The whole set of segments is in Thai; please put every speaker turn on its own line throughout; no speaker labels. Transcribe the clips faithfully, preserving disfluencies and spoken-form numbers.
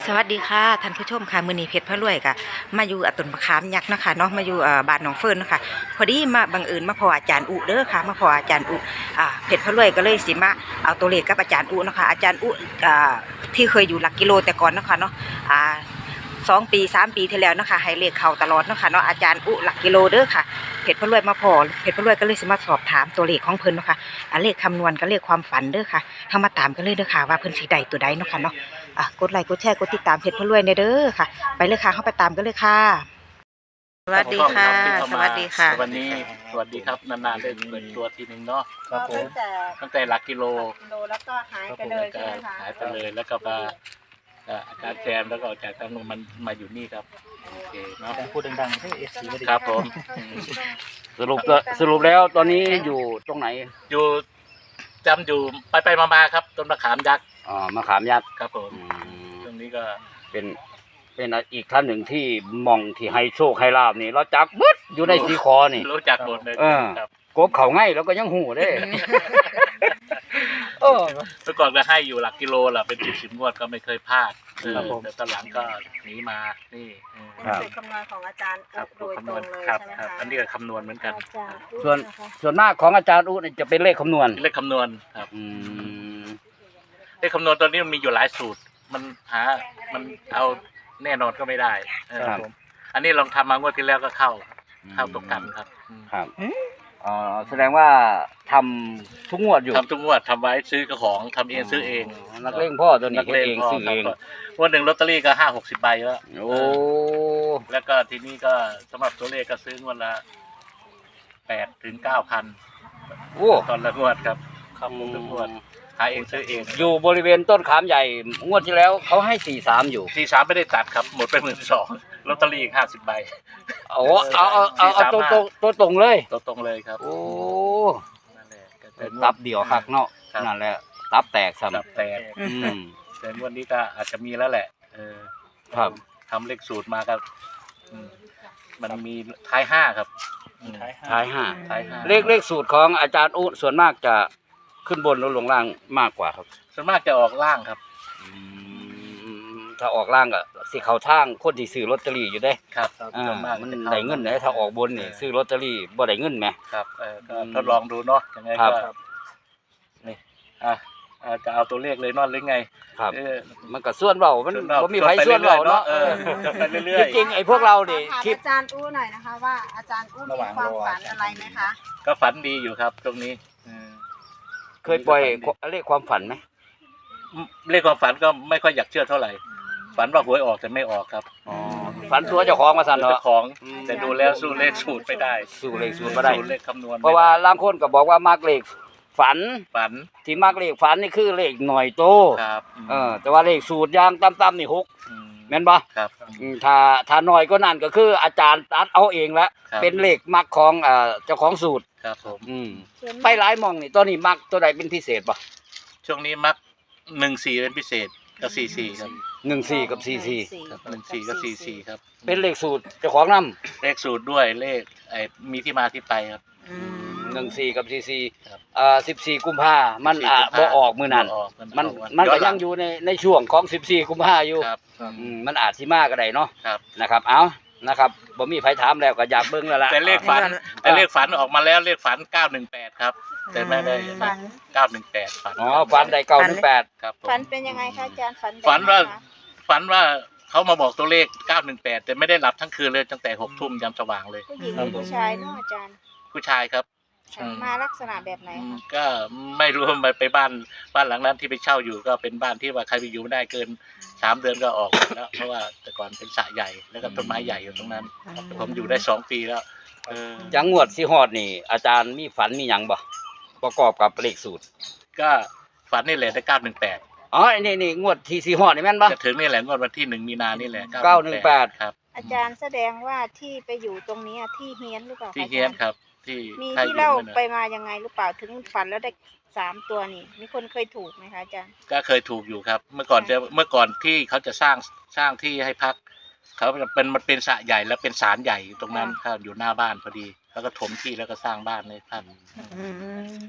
สวัสดีค่ะท่านผู้ชมค่ะมื้อนี้เพชรพระรวยค่ะมาอยู่อ่ะต้นมะขามยักษ์นะคะเนาะมาอยู่อ่าบ้านหนองเฟิร์นเนาะคะพอดีมาบังเอิญมาพออาจารย์อุเด้อค่ะมาพออาจารย์อุอ่าเพชรพระรวยก็เลยสิมาเอาตัวเลขกับอาจารย์อุเนาะค่ะอาจารย์อุอ่าที่เคยอยู่หลักกิโลแต่ก่อนเนาะค่ะเนาะอ่าสองปีสามปีที่แล้วเนาะค่ะให้เลขเข้าตลอดเนาะค่ะเนาะอาจารย์อุหลักกิโลเด้อค่ะเพชรพระรวยมาพอเพชรพระรวยก็เลยสิมาสอบถามตัวเลขของเพิ่นเนาะค่ะอ่าเลขคำนวณกับเลขความฝันเด้อค่ะเฮามาตามกันเลยเด้อค่ะว่าเพิ่นสิได้ตัวใดเนาะค่ะเนาะ อ่ะกดไลค์กดแชร์กดติดตามเพจพระรวยในเด้อค่ะไปเลยค่ะเข้าไปตามกันเลยค่ะสวัสดีค่ะสวัสดีค่ะ
วันนี้สวัสดีครับนานๆได้เปิดตัวทีหนึ่งเนาะ
ครับผม
ตั้งแต่
ตั้งแต่หลักกิโล
กิโลแล้วก็หายไปเลยใช่ไหมคะ
หายไปเลยแล้วก็มาเอ่ออาจารย์แจมแล้วก็จากตำรวจมันมาอยู่นี่ครับโอเคเนาะ
พูดดังๆให้เอฟซีไม่ได้
ครับผม
สรุปก็สรุปแล้วตอนนี้อยู่ตรงไหน
อยู่จำอยู่ไปไปๆมาๆครับต้นมะขามยักษ์
อ่ามะขามยักษ์
ครับผม
อืม
ตรงนี้ก็
เป็นเป็นอีกท่านหนึ่งที่มองที่ให้โชคให้ลาบนี่เราจักบึดอยู่ในสีคอนี่
รู้จักหมดเลย
เออ
ครับ
กบเขาง่ายแล้วก็ยังหูเด้เออ
เมื่อก่อนก็ให้อยู่หลักกิโลแหละเป็นสิบสิบงวดก็ไม่เคยพลาดเออแต่ตอนหลังก็หนีมานี่เออ
เป็นสูตรคำนวณของอาจารย์
ครับ
โดยต
คำน
ร
วณ
งเลย
ครับ
ใช่ไหม
ครับ
คะ
อันนี้ก็คำนวณเหมือนกัน
อาจารย์
ส่วนส่วนมากของอาจารย์อุนี่จะเป็นเลขคำนวณ
เลขคำนวณครับ
อืม
เลขคำนวณตอนนี้มันมีอยู่หลายสูตร มันหา มันเอาแน่นอนก็ไม่ได้เออผมอันนี้ลองทำมางวดที่แล้วก็เข้า เข้าตรงกันครับอืม
ครับอ๋อแสดงว่าทำทุกงวดอยู่
ทำทุกงวดทำไว้ซื้อกระของทำเองซื้อเอง
นักเลงพ่อตัวนี้
นัก
เฮ็ด
เลง
เอง
พ่อ
ซื้อ
ครั
เอบ ง
งวันหนึ่งลอตเตอรี่ก็ห้าหกสิบใบแล้ว
โอ้
แล้วก็ทีนี้ก็สำหรับตัวเลขก็ซื้องวดละแปดถึงเก้าพัน
โอ้
ตอนละงวดครับครับผมทุกงวดหาเองซื้อเอง
อยู่บริเวณต้นขามใหญ่งวดที่แล้วเขาให้สี่สามอยู่
ทีสามไม่ได้ตัดครับ หมดไปหมื่นสองลอตเตอรี่อีกห้าสิบใบ
เอาเอาเอาเอาเอาตัวตรงตัวตรงเลย
ตัวตรงเลยครับ
โอ้
นั่นแหละก็แต่งว
ตับเดียวคักเนาะ
ครับ
นั่นแหละตับแตก
ตับ
ซ้ำ
แตก
อืม
แต่งวันนี้ก็อาจจะมีแล้วแหละ เออ
ครับ
ทำเลขสูตรมาครับอืมมันมีท้ายห้าครับอืม
ท้ายห้า
ท้ายห้า
ท้ายห้า
เลขเลขสูตรของอาจารย์อุส่วนมากจะขึ้นบนหรือลงล่างมากกว่าครับ
ส่วนมากจะออกล่างครับ
อืมถ้าออกล่างก็สิเขาทางคนที่ซื้อลอตเตอรี่อยู่เด้
ครับ
อ่า
ส่วนมาก
มัน
จะข้า
ได้เงินเลยถ้าออกบนนี่ซื้อลอตเตอรี่บ่ได้เงินไหม
ครับเออก็
อืม
ทดลองดูเนาะยังไง
ครั
ก็
บ
นี่อ่ะอ่ะจะเอาตัวเลขเลยเนอนหรือไง
ครับ
เออ
มันก็ส่วนเบามัน
ส่วนเรา
บ่มีไผส่วนเบาเนาะ
เอ
เอ
อ
อ
ไปเรื่อย
จริงๆไอ้พวกเราดิ
ถาม
คิด
อาจารย์อู้หน่อยนะคะว่าอาจารย์อู้มีความฝันอะไรไหมคะ
ๆก็ฝันดีอยู่ครับ ตรงนี้อืม
เคยปล่อยเลขความฝันไหม
เลขความฝันก็ไม่ค่อยอยากเชื่อเท่าไหร่ ฝันว่าหวยออกแต่ไม่ออกครับ
อ๋อฝันตัวเจ้าของมาสั่น
เจ้า
เนาะ
ของ
อืม
แต่ดูแล้วสู้เลขสูตรไม่ได้
สู้เลขสูตรบ่ได้
สูตรเลขคำนวณไม่
เพราะว่า
ได้
บางคนก็บอกว่ามักเลขฝัน
ฝัน
ที่มักเลขฝันนี่คือเลขหน่อยโต
ครับ
เออแต่ว่าเลขสูตรอย่างต่ำๆนี่หก
ม
แม่นบ่
ครับ
อืมถ้าถ้าน้อยก็นั่นก็คืออาจารย์ตัดเอาเองละ
ครับ
เป็นเลขมักของเอ่อเจ้าของสูตร
ครับผม
อืมไปหลายหมองนี่ตัวนี้มักตัวใดเป็นพิเศษบ่
ช่วงนี้มักหนึ่งสี่เป็นพิเศษกับสี่สี่ครับ
หนึ่งสี่กับสี่สี่
ครับหนึ่งสี่กับสี่สี่ครับ
เป็นเลขสูตรเจ้าของนำ
เลขสูตรด้วยเลขไอ้มีที่มาที่ไปครับ
หนึ่งสี่กับสี่สี่
ครับ
เอ่อสิบสี่กุมภามันอ่ะบ่ออกมื้อนั้น
บ่ออก
มัน
ออ
มันก็
หลั
ยังอยู่ในในช่วงของสิบสี่กุมภาอยู่
ครับ
อืมมันอาจสิมาก็ได้เนาะ
ครับ
นะครับ เอานะครับบ่มีไผถามแล้วก็อยากเบิ่งแล้วล่ะ
แต่เลขฝันแต่เลขฝันออกมาแล้วเลขฝันเก้าหนึ่งแปดครับ แต่ไม่ได้
ฝัน
เก้าหนึ่งแปดฝัน
อ๋อฝันได้เก้าหนึ่งแปด
ครับผม
ฝันเป็นยังไงคะอาจารย์ฝันแบบ
ฝันว่า
ไหคะ
ฝันว่าเขามาบอกตัวเลขเก้าหนึ่งแปดแต่ไม่ได้หลับทั้งคืนเลยตั้งแต่หกทุ่มยามสว่างเลย
ผู้หญิงหรือผู้ชายเนาะอาจารย์
ผู้ชายครับ อืม
มาลักษณะแบบไหน
อืม
คะ
ก็ไม่รู้ว่าไปบ้านบ้านหลังนั้นที่ไปเช่าอยู่ก็เป็นบ้านที่ว่าใครไปอยู่ไม่ได้เกินสามเดือนก็ออกแล้วเพราะว่าแต่ก่อนเป็นสระใหญ่แล้วก็ต้นไม้ใหญ่อยู่ตรงนั้น ผมอยู่ได้สองปีแล้วเออ
จังงวดสิฮอดนี่ อาจารย์มีฝันมีหยังบ่ประกอบกับเลขสูตร
ก็ฝันนี่แหละได้เก้าหนึ่งแปด
อ๋อไอ้นี่นี่งวดที่สิฮอดนี่แม่นบ่
จะถึงนี่แหละงวดวันที่หนึ่งมีนานี่แหละ
เก้าหนึ่งแปด
ครับ
อาจารย์แสดงว่าที่ไปอยู่ตรงนี้อะที่เฮียนหรือเปล่าคะ
ที่เฮียนครับ ที่
มี
ใครอ
ที่
ยู่
เล่า
นั่นน่ะ
ไปมายังไงหรือเปล่าถึงฝันแล้วได้สามตัวนี่มีคนเคยถูกไหมคะอาจารย์
ก็เคยถูกอยู่ครับ เมื่อก่อนจะเมื่อก่อนที่เขาจะสร้างสร้างที่ให้พักเขาเป็นมันเป็นสระใหญ่แล้วเป็นศาลใหญ่อยู่ตรงนั้นครับอยู่หน้าบ้านพอดีแล้วก็ถมที่แล้วก็สร้างบ้านเลยท่าน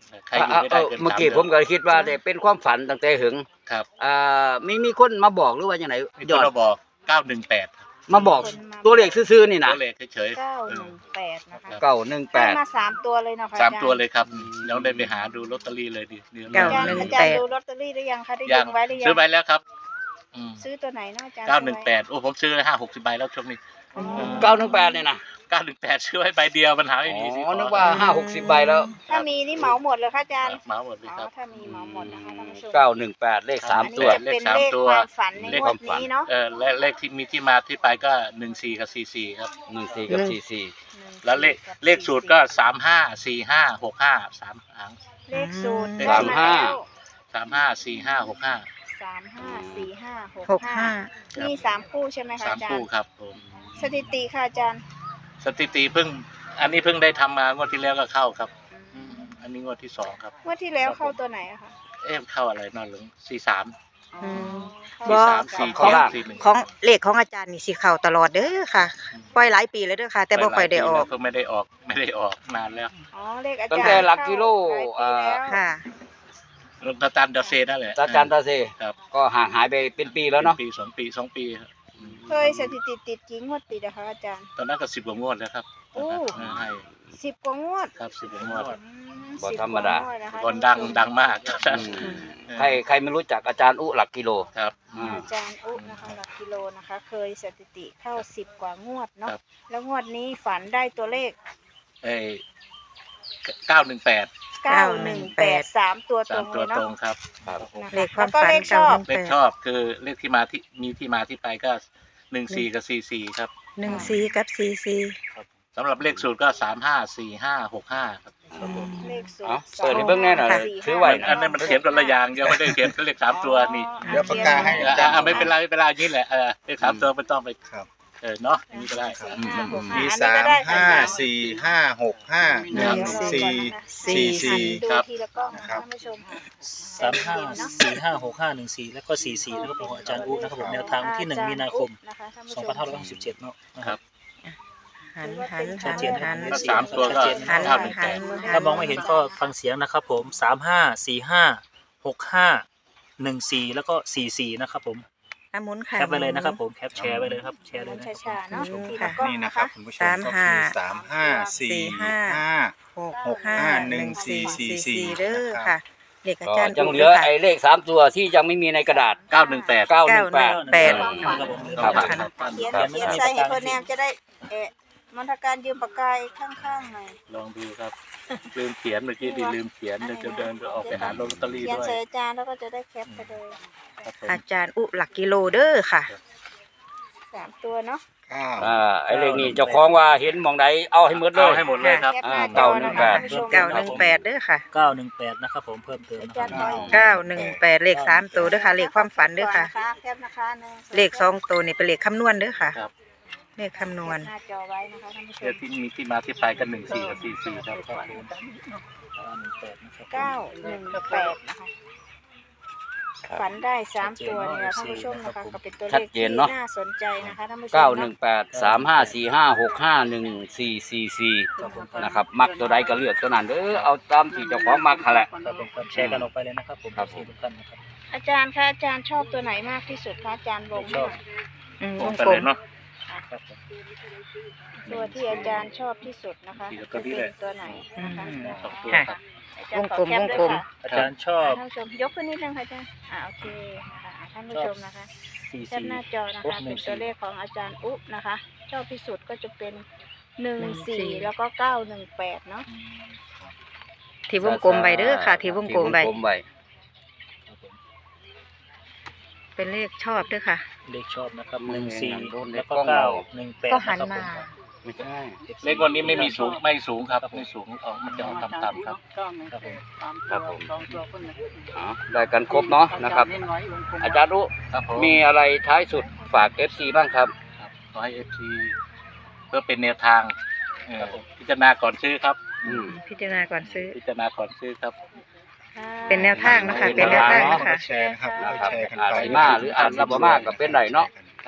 ใครอยู่ไม่ได้เกิน
เมื่อ
สาม
กี้
เดื
ผ
อ
ม
น
ก็คิดว่าได้เป็นความฝันตั้งแต่หึง
ครับ
อ่ามีมีคนมาบอกหรือว่าอย่างไร
มี
ย
ค
อน ด
มาบอกเก้าหนึ่งแปด
มาบอกตัวเลขซื่อๆนี่นะ
ตัวเลขเฉย
เก้าหนึ่งแปดนะคะ
เก้าหนึ่งแป
ให้
ด
มาสามตัวเลยเนาะค่ะ
ๆสาม
อจร
ตัวเลยครับยังได้ไปหาดูลอตเตอรี่เลยดินี่
เก้า
อาจารย์
หนึ่ง
อาจารย์ดูลอตเตอรี่หรือยังคะได้
ยั
ดึ
ง
งไว้หรือยัง
ซื้อไปแล้วครับอืม
ซื้อตัวไหนเนาะอาจารย์
เก้าหนึ่งแปดโอ้ผมซื้อห้าหกสิบใบแล้วช่วงนี้
อ๋อ
เก้าหนึ่งแปดเนี่ยนะ
เก้าหนึ่งแปดซื้อไว้ใบเดียวมันหาไม่มีสิ
อ๋อนึกว่าห้าหกสิบใบแล้ว
ถ้ามีนี่เหมาหมดเลยค่ะอาจารย์
เหมาหมดเลย
อ๋อ
ครับ
ถ้ามีเหมาหมดนะคะท่านผู้ชม
เก้าหนึ่งแปดเลขสาม
อันนี้
ตัว
จะเป็น
เลขสาม
เลข
ตัว
ความฝันใน
เลข
ง
คว วาม
ด
ฝัน
นี้เนาะ
เออและเลขที่มีที่มาที่ไปก็หนึ่งสี่กับสี่สี่ครับ
หนึ่งสี่กับสี่สี่
แล้วเลขเลขสูตรก็สามห้าสี่ห้าหกห้าสามหาง
เลขสูตร
อืม
ได้มาแล้ว
สามห้าสี่ห้าหกห้า
สามห้าสี่ห้าหก
หกห้า
มีสามคู่ใช่ไหมคะ
สาม
อาจาร
คู่
ย์
ครับผม
สถิติค่ะอาจารย์
สถิติเพิ่ง อันนี้เพิ่งได้ทำมางวดที่แล้วก็เข้าครับอืมอันนี้งวดที่สองครับ
งวดที่แล้วเข้าตัวไหนอะคะ
เอ๊ะเข้าอะไรนอนหลงสี่สาม
อ๋อเข้
บ่
สามสี่
เข้า
เจ็ด
ล่าง
สี่หนึ่ง
ของเลขของอาจารย์นี่สิเข้าตลอดเด้อค่ะ ปล่อยหลายปีแล้วเด้อค่ะ แต่บ่ค่อยได้ออก
เพิ่งไม่ได้ออกไม่ได้ออกนานแล้ว
อ๋อเลขอา
ตั้
จารง ย์
แต่หลักกิโล
เข้าหลายปีแล้ว
ค่ะ
ตาตันดาเซนั่นแหละ
ตาจันตาเซ
ครับ
ก็ห่างหายไปเป็นปีแล้วเนาะ
ปีสองปีสองปีครับอืม
เคยสถิติติดกี่งวดติดอะคะอาจารย์
ตอนนั้นก็สิบกว่างวดแล้วครับ
โอ้
ให้
สิบกว่างวด
ครับสิบกว่างวด
อืม
บ่
สิบ
ธรรมดา
กว่งวนะคะ
ก่อนดัง
ท่านผู้ชม
ดังมาก
อืมใครใครไม่รู้จักอาจารย์อุหลักกิโล
ครับ
อ่า
อาจารย์อุ๊นะคะหลักกิโลนะคะ เคยสถิติเข้าสิบกว่างวดเนาะ
ครับ
แล้วงวดนี้ฝันได้ตัวเลข
เอ้เก้าหนึ่งแปด
เก้าหนึ่งแปดสามตัวต
สา
ร
ม
ง
ตัว
เลย
ตร
เนาะ
งครับ
ครับ
นะคะ
เลขความ
แล้วก็
ฝัน
เลขชอบ
เก้าหนึ่ง
เลขชอบคือเลขที่มาที่มีที่มาที่ไปก็หนึ่งสี่กับสี่สี่ครับ
หนึ่งสี่กับสี่สี่
สำหรับเลขสูตรก็สามห้าสี่ห้าหกห้าครับ
เลขสูต
เอา
ร
เปิดให้เบิ่งแน่หน่อย
สี่
ถือไว้
อันนั้นมันเขียนคนละอย่างยังไม่ได้เขียนเลขสามตัวนี่
เดี๋ยวปากกาให้
อ่ะอ่ะไม่เป็นไรไม่เป็นไรอย่างนี้แหละเออเลขสามตัวไม่ต้องไป
ครับ
เออเนาะอย่างนี้ก็ได้
สี่ห้าหก
มี
อัน
สา
นี้ก็
ม
ได้
ห้า
ค่ะ
สี่ห้าหกห้าหนึ่งสี่สี่สี่
ดู
ครับ
ทีละกล้องนะคะท่านผู้ชม
สามห้าสี่ห้าหกห้าหนึ่งสี่แล้วก็สี่สี่นะครับผมของอาจารย์อุ๊นะครับผมแนวทางวันที่หนึ่งมีนาคม
นะคะท่านผู้
สอง
ช
พัน
ม
ห้าร้อยหกสิบเจ็ดเนาะนะ
ค
ค
รั
รับ บ
หันหัน
ชั
หั
ด
น
เจน
หัน
ถ้าสามตัวก็
หัน
เก้าหนึ่ง
หั
แป
น
ด
ถ้ามองไม่เห็นก็ฟังเสียงนะครับผมสามห้าสี่ห้าหกห้าหนึ่งสี่แล้วก็สี่สี่นะครับผม
อ่ะหมุนค่ะ
แคปไปเลยนะครับผมแคปแชร์ไปเลยครับแชร์เลยนะ
ช้าๆเนาะ
อืม
ทีละกล้อง
นี่นะ
นะ
ครั
คะ
บคุณผู้ชม
สาม
ก็
ห้า
คือสามห้าสี่ห้า
หก
หกห้าหนึ่งสี่สี่สี่
เด้อค่ะเลขอา
ก็
จารย์
ยังเหลือไอ้เลขสามตัวที่ยังไม่มีในกระดาษ
เก้าหนึ่งแปด
เก้าหนึ่งแปด
แปด
ครับผม
ครับ
เขียนเขียนใส่ให้เพื่อนแนมจะได้เอะมันทการยืมปากกาข้างๆหน่อย
ลองดูครับลืมเขียนเมื่อกี้ดีลืมเขียนเดี๋ยวจะเดินออกไปหาลอตเตอรี่
เขียน
ด้วย
ใส่อาจารย์แล้วก็จะได้แคปไปเลย
ครับผม
อาจารย์อุหลักกิโลเด้อค่ะ
สามตัวเนาะ
เก้า
อ่าไอ้เลขนี้เจ้าของว่าเห็นหมองใดเอาให้หมดเล
เอา
ย
ให้หมดเลยครับ
แคปหน้าจ
เก้า
อ
หนึ่
นะ
งแป
คะ
ด
ท่านผู้ชม
เก้าหนึ่งแปดเด้อค่ะ
เก้าหนึ่งแปดนะครับผมเพิ่มเติมนะค
อา
รับ
จารย์ขอ
เก้าหนึ่งแปดเลขสามตัวเด้อค่ะเลขความฝันเด้อค่ะ
แคปนะคะหนึ่ง
เลขสองตัวนี่เป็นเลขคำนวณเด้อค่ะ
ครับ
เลขคำนวณ
หน้าจอไว้นะคะท่านผู้ช
เดี๋ยว
ม
ที่มีที่มาที่ไปกันหนึ่งสี่กับสี่สี่ครับ
ครับผมเก้าหนึ่งแปดนะครับ
เก้าหนึ่งแปดนะคะฝันได้สามตัวเนี่ยท่านผู้ชมนะคะก็เป็นตัวเล
ชัด
ข
เจ
ที่
นเนอะ
น่าสนใจนะคะท่านผู้ชม
เก้าหนึ่งแปดสามห้าสี่ห้าหกห้าหนึ่งสี่สี่สี่นะครับมักตัวใดก็เลือกตัวนั้นเด้อเอาตามที่เจ้าของมักนั่นแหละ
ครับผมครับแชร์กันออกไปเลยนะครับผม
ครับผม
ทุกท่านนะครับ
อาจารย์คะอาจารย์ชอบตัวไหนมากที่สุดคะอาจารย์วง
ชอบ
อืม
ผ
ว
ม
ง
ไป
กล
เลย
ม
เนาะ
ครับผม
ตัวที่อาจารย์ชอบที่สุดนะคะ
ที่
จะ
ตัวนี้
เป็
เลย
นตัวไหนนะคะ
สองตัว
ค่ะ
ครับ
อาจารย์ขอแคปด้วย
วงกลม
ค่ะ
อาจารย์ชอบ
ท่านผู้ชมยกขึ้นนิดนึงค่ะอาจารย์อ่าโอเคนะคะอ่าท่านผู้ชมนะคะ
สี่
แคป
สี่
หน้าจอนะคะเป็นตัวเลขของอาจารย์อุ๊นะคะ ชอบที่สุดก็จะเป็นหนึ่งสี่แล้วก็เก้าหนึ่งแปดเนาะ
ที่วงกลมใบเด้อค่ะ ที่วงกลมใบ
ที่วงกลมใบ
ครับผม
เป็นเลขชอบเด้อค่ะ
เลขชอบนะครับ
มึ
ห
ง
นึ่ง
เห็น
สี่
หนังโดนใน
แล้วก็
กล้อง
เก้า
เรา
หนึ่งแปด
ก็หัน
นะครับ
มา
ไม่ใช่
เลขวันนี้ไม่มีสูงไม่สูงครับไม่สูงออกมันจะออกต่ำๆครับ
ครับผม
ครับผมอ๋อได้กันครบเนาะนะครับ อาจารย์รู้
ครับผม
มีอะไรท้ายสุดฝาก เอฟ ซี บ้างครับ
ครับขอให้เอฟซีเพื่อเป็นแนวทางเออพิจารณาก่อนซื้อครับ
อืม
พิจารณาก่อนซื้อ
พิจารณาก่อนซื้อครับ
เป็นแนวทางนะคะ เป็นแนวทางนะคะ
แชร์นะครับแล้วแชร์กัน
อาจ
ไป
สิมาหรืออาจสิบ่มาก็เป็นไรเนาะ
ครับ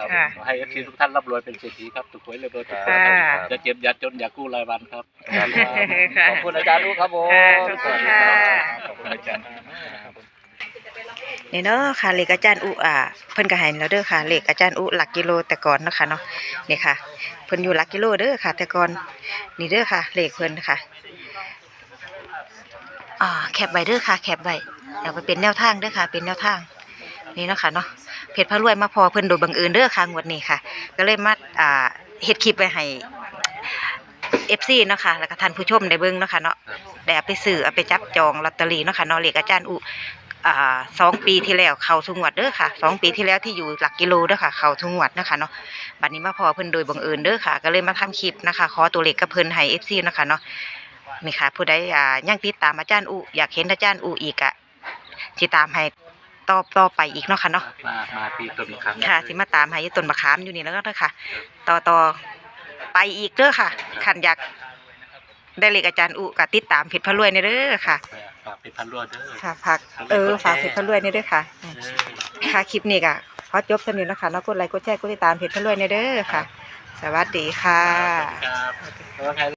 ครับ
ค่ะ
ขอให้เอฟซีทุกท่านร่ำรวยเป็นเศรษฐีครับถูกหวยเลยเบอร์ถูก
ค่ะ
อย่าเจ็บอย่าจนอย่ากู้รายวันครับ
ค่ะ
ขอบคุณอาจารย์ลูกครับผม
ค่ะขอบคุณค่ะ
ขอบคุณอาจารย์
นี่เนาะค่ะเลขอาจารย์อุอ่าเพิ่นก็ให้แล้วเด้อค่ะเลขอาจารย์อุหลักกิโลแต่ก่อนเนาะค่ะเนาะนี่ค่ะเพิ่นอยู่หลักกิโลเด้อค่ะ แต่ก่อนนี่เด้อค่ะเลขเพิ่นค่ะอ่าแคปไว้เด้อค่ะแคปไว้เอาไปเป็นแนวทางเด้อค่ะ เป็นแนวทางนี่เนาะค่ะเนาะเพชรพระรวยมาพอเพิ่นโดยบังเอิญเด้อค่ะงวดนี้ค่ะ ก็เลยมาอ่าเฮ็ดคลิปไว้ให้ เอฟ ซี เนาะค่ะแล้วก็ท่านผู้ชมได้เบิ่งเนาะค่ะเนาะได้เอาไปซื้อเอาไปจับจองลอตเตอรี่เนาะค่ะเนาะเลขอาจารย์อุอ่าสองปีที่แล้วเข้าทุกงวดเด้อค่ะสองปีที่แล้วที่อยู่หลักกิโลเด้อค่ะเข้าทุกงวดเนาะค่ะเนาะบัดนี้มาพอเพิ่นโดยบังเอิญเด้อค่ะก็เลยมาทำคลิปนะคะขอตัวเลขกับเพิ่นให้ เอฟ ซี เนาะค่ะเนาะนี่ค่ะผู้ใดอ่ายังติดตามอาจารย์อุอยากเห็นอาจารย์อุอีกอะสิตามให้ต่อต่อไปอีกเนาะค่ะเนาะ
มามาที่ต้นมะขาม
ค่ะสิมาตามให้อยู่ต้นมะขามอยู่นี่แล้วก็เด้อค่ะ ต่อต่อไปอีกเด้อค่ะคันอยากได้เลขอาจารย์อุก็ติดตามเพชรพระรวยนี่เด้อค่ะ
ฝากเป็นพันรวดเด้อ
ค่ะฝากเออฝากเพชรพระรวยนี่เด้อค่ะค่ะคลิปนี้ก็ขอจบสำนี้นะคะเนาะกดไลค์กดแชร์กดติดตามเพชรพระรวยนี่เด้อค่ะ สวัสดีค่ะ
ครับแล้วใคร